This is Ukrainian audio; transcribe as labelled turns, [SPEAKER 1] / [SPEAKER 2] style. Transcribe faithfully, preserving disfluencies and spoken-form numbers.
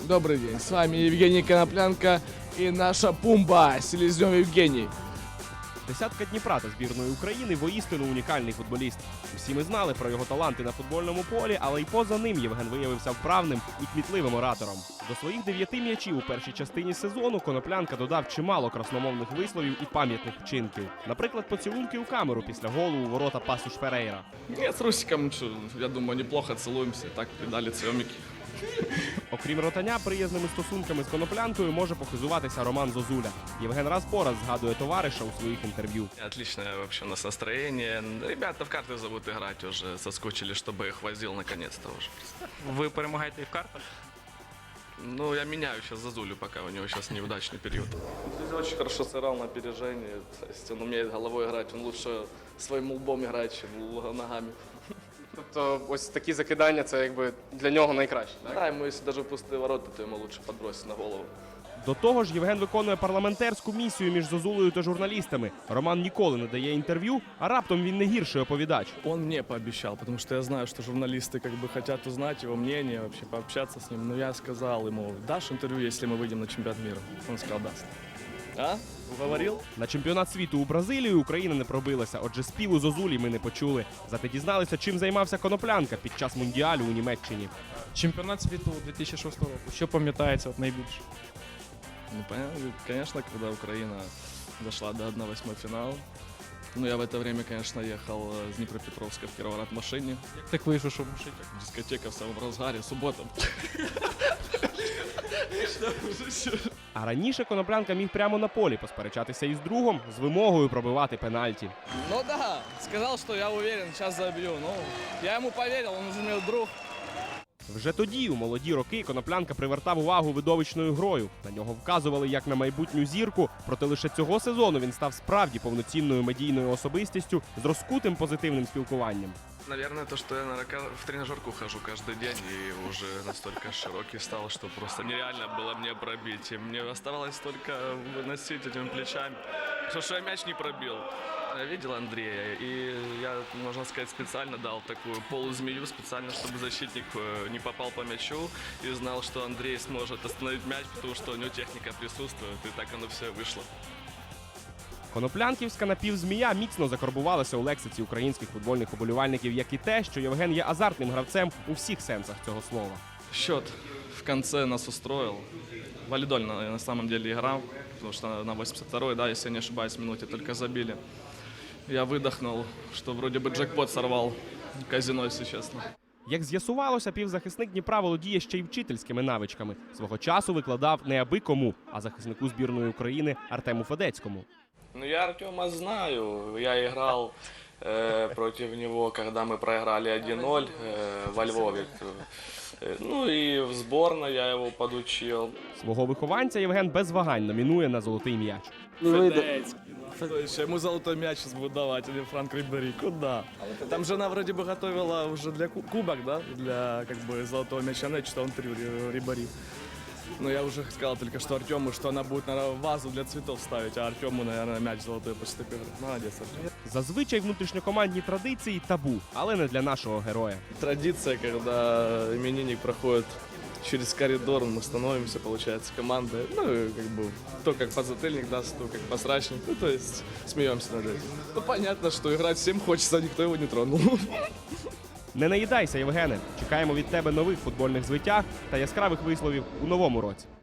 [SPEAKER 1] Добрый день, с вами Евгений Коноплянка и наша Пумба, Селезнев Евгений.
[SPEAKER 2] Десятка Дніпра та збірної України воістину унікальний футболіст. Усі ми знали про його таланти на футбольному полі, але й поза ним Євген виявився вправним і кмітливим оратором. До своїх дев'яти м'ячів у першій частині сезону Коноплянка додав чимало красномовних висловів і пам'ятних вчинків. Наприклад, поцілунки у камеру після голу у ворота Пасуш Ферейра.
[SPEAKER 1] Нет, с Русиком, я думаю, неплохо целуемся, так придали цьомики.
[SPEAKER 2] Окрім ротання, приязними стосунками з Коноплянкою може похизуватися Роман Зозуля. Євген раз по раз згадує товариша у своїх інтерв'ю.
[SPEAKER 3] Отличное вообще у нас настроение. Ребята в карты зовут играть уже, соскучили, чтобы их возил наконец-то уже.
[SPEAKER 4] Ви перемагаєте і в картах?
[SPEAKER 3] Ну, я меняю сейчас Зазулю, пока у него сейчас неудачный период. Он очень хорошо сыграл на опережении, то есть он умеет головой играть, он лучше своим лбом играет, чем ногами.
[SPEAKER 4] Тобто ось такі закидання, це якби для нього найкраще, так?
[SPEAKER 3] Да, ему если даже в пустые ворота, то ему лучше подбросить на голову.
[SPEAKER 2] До того ж, Євген виконує парламентарську місію між Зозулею та журналістами. Роман ніколи не дає інтерв'ю, а раптом він не гірший оповідач.
[SPEAKER 1] Он мне пообещал, потому что я знаю, что журналисты как бы хотят узнать его мнение, вообще пообщаться с ним. Но я сказал ему, дашь интервью, если мы выйдем на чемпионат мира? Он сказал, даст. А? Уговорил?
[SPEAKER 2] На чемпіонат світу у Бразилію Україна не пробилася, отже співу Зозулі ми не почули. Зате дізналися, чим займався Коноплянка під час Мундіалю у Німеччині.
[SPEAKER 5] Чемпіонат світу дві тисячі шостого року. Що пам'ятається от найбільше?
[SPEAKER 1] Ну, понятно, конечно, когда Украина дошла до одна восьмой финала. Ну, я в это время, конечно, ехал с Днепропетровска в Кировоград в машине.
[SPEAKER 5] Як так вийшло, що в машині?
[SPEAKER 1] Дискотека в самом разгаре, суббота.
[SPEAKER 2] А раніше Коноплянка міг прямо на полі посперечатися із другом з вимогою пробивати пенальті.
[SPEAKER 6] Ну да, сказал, что я уверен, сейчас забью. Ну, я ему поверил, он уже мой друг.
[SPEAKER 2] Вже тоді, у молоді роки, Коноплянка привертав увагу видовищною грою. На нього вказували як на майбутню зірку, проте лише цього сезону він став справді повноцінною медійною особистістю з розкутим позитивним спілкуванням.
[SPEAKER 3] Наверное, то, что я наверное, в тренажерку хожу каждый день и уже настолько широкий стал, что просто нереально было мне пробить. И мне оставалось только выносить этими плечами. Что, что я мяч не пробил. Я видел Андрея, и я, можно сказать, специально дал такую полузмею, специально, чтобы защитник не попал по мячу и знал, что Андрей сможет остановить мяч, потому что у него техника присутствует, и так оно все вышло.
[SPEAKER 2] Коноплянківська напівзмія міцно закарбувалася у лексиці українських футбольних уболівальників, як і те, що Євген є азартним гравцем у всіх сенсах цього слова.
[SPEAKER 1] Счет в конце нас устроил. Валидольно я на самом деле играл, потому что на восемьдесят второй, да, если я не ошибаюсь, минуте только забили. Я выдохнул, что вроде бы джекпот сорвал казино, если честно.
[SPEAKER 2] Як з'ясувалося, півзахисник Дніпра володіє ще й вчительськими навичками. Свого часу викладав не аби кому, а захиснику збірної України Артему Федецькому.
[SPEAKER 3] Ну, я Артема знаю. Я играл э, против него, когда мы проиграли один ноль э, во Львове. Э, ну и в сборной я его подучил.
[SPEAKER 2] Свого вихованця Євген без вагань номінує на золотий м'яч.
[SPEAKER 1] Федецкий. То есть ему золотой мяч сейчас будут давать, или Франк Рибери. Куда? Там жена вроде бы готовила уже для ку- кубок, да? Для как бы золотого мяча, но что он три Рибери. Но я уже сказал только что Артему, что она будет, наверное, вазу для цветов ставить, а Артему, наверное, мяч золотой поступил. Молодец, Артем.
[SPEAKER 2] Зазвичай внутрішньокомандні традиції табу, але не для нашого героя.
[SPEAKER 1] Традиция, когда именинник проходит через коридор, мы становимся, получается, командой. Ну, и как бы, то как подзатыльник даст, то как посрачник. Ну, то есть, смеемся над этим. Ну, понятно, что играть всем хочется, а никто его не тронул.
[SPEAKER 2] Не наїдайся, Євгене. Чекаємо від тебе нових футбольних звитяг та яскравих висловів у новому році.